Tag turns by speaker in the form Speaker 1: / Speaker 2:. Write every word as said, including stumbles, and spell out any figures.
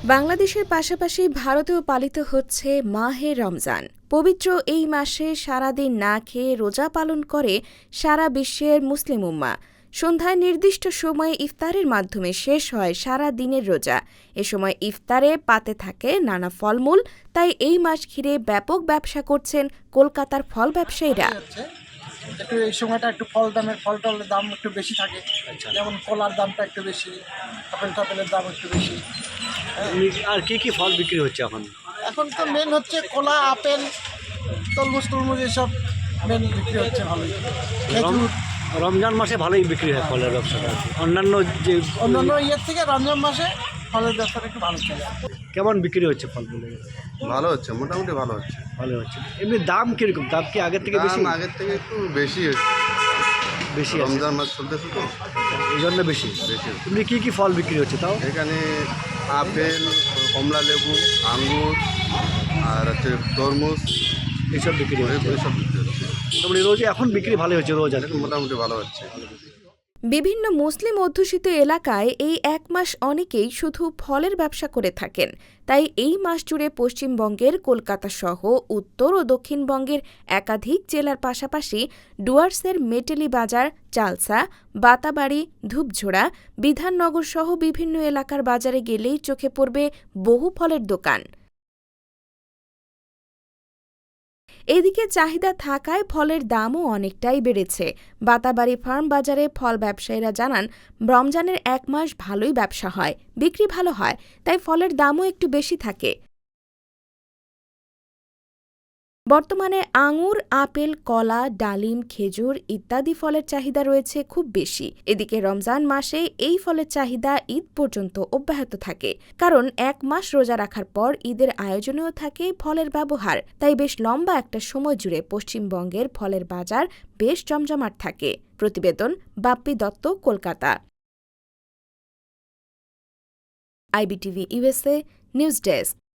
Speaker 1: বাংলাদেশের পাশাপাশি ভারতেও পালিত হচ্ছে মাহে রমজান। পবিত্র এই মাসে সারাদিন না খেয়ে রোজা পালন করে সারা বিশ্বের মুসলিম উম্মাহ। সন্ধ্যায় নির্দিষ্ট সময়ে ইফতারের মাধ্যমে শেষ হয় সারা দিনের রোজা। এ সময় ইফতারে পাতে থাকে নানা ফলমূল, তাই এই মাস ঘিরে ব্যাপক ব্যবসা করছেন কলকাতার ফল ব্যবসায়ীরা।
Speaker 2: একটু এই সময়টা একটু ফল দামের ফল টলের দাম একটু বেশি থাকে, যেমন কলার দামটা একটু বেশি, আপেল টাপেলের দাম একটু বেশি।
Speaker 3: আর কি কি ফল বিক্রি হচ্ছে এখন?
Speaker 2: এখন তো মেন হচ্ছে কলা, আপেল, তরমুজ টরমুজ এসব মেন বিক্রি হচ্ছে ভালোই। খেজুর।
Speaker 3: রমজান মাসে ভালোই বিক্রি হয় ফলের ব্যবসাটা, অন্যান্য যে
Speaker 2: অন্যান্য ইয়ের থেকে রমজান মাসে ফলের ব্যবসাটা একটু ভালো চলে।
Speaker 3: কেমন বিক্রি হচ্ছে ফলগুলো?
Speaker 4: ভালো হচ্ছে, মোটামুটি ভালো হচ্ছে।
Speaker 3: ভালো হচ্ছে। এমনি দাম কিরকম? দাম কি আগের থেকে বেশি?
Speaker 4: দাম আগের থেকে একটু বেশি হচ্ছে,
Speaker 3: বেশি আছে।
Speaker 4: রমজান মাস চলতেছে তো,
Speaker 3: এই জন্য বেশি
Speaker 4: বেশি।
Speaker 3: এমনি কি কি ফল বিক্রি হচ্ছে তাও?
Speaker 4: এখানে আপেল, কমলা লেবু, আঙ্গুর আর হচ্ছে তরমুজ,
Speaker 3: এইসব বিক্রি হচ্ছে।
Speaker 4: এইসব বিক্রি হচ্ছে।
Speaker 3: মোটামুটি রোজ এখন বিক্রি ভালোই হচ্ছে, রোজ আর
Speaker 4: এখন মোটামুটি ভালো হচ্ছে।
Speaker 1: বিভিন্ন মুসলিম অধ্যুষিত এলাকায় এই এক মাস অনেকেই শুধু ফলের ব্যবসা করে থাকেন। তাই এই মাস জুড়ে পশ্চিমবঙ্গের কলকাতা সহ উত্তর ও দক্ষিণবঙ্গের একাধিক জেলার পাশাপাশি ডুয়ার্সের মেটেলি বাজার, চালসা, বাতাবাড়ি, ধূপঝোড়া, বিধাননগর সহ বিভিন্ন এলাকার বাজারে গেলেই চোখে পড়বে বহু ফলের দোকান। এদিকে চাহিদা থাকায় ফলের দামও অনেকটাই বেড়েছে। বাতাবাড়ি ফার্ম বাজারে ফল ব্যবসায়ীরা জানান, রমজানের এক মাস ভালোই ব্যবসা হয়, বিক্রি ভালো হয়, তাই ফলের দামও একটু বেশি থাকে। বর্তমানে আঙুর, আপেল, কলা, ডালিম, খেজুর ইত্যাদি ফলের চাহিদা রয়েছে খুব বেশি। এদিকে রমজান মাসে এই ফলের চাহিদা ঈদ পর্যন্ত অব্যাহত থাকে, কারণ এক মাস রোজা রাখার পর ঈদের আয়োজনেও থাকে ফলের ব্যবহার। তাই বেশ লম্বা একটা সময় জুড়ে পশ্চিমবঙ্গের ফলের বাজার বেশ জমজমাট থাকে। প্রতিবেদন Bappi Dutta, Kolkata. IBTV USA news desk.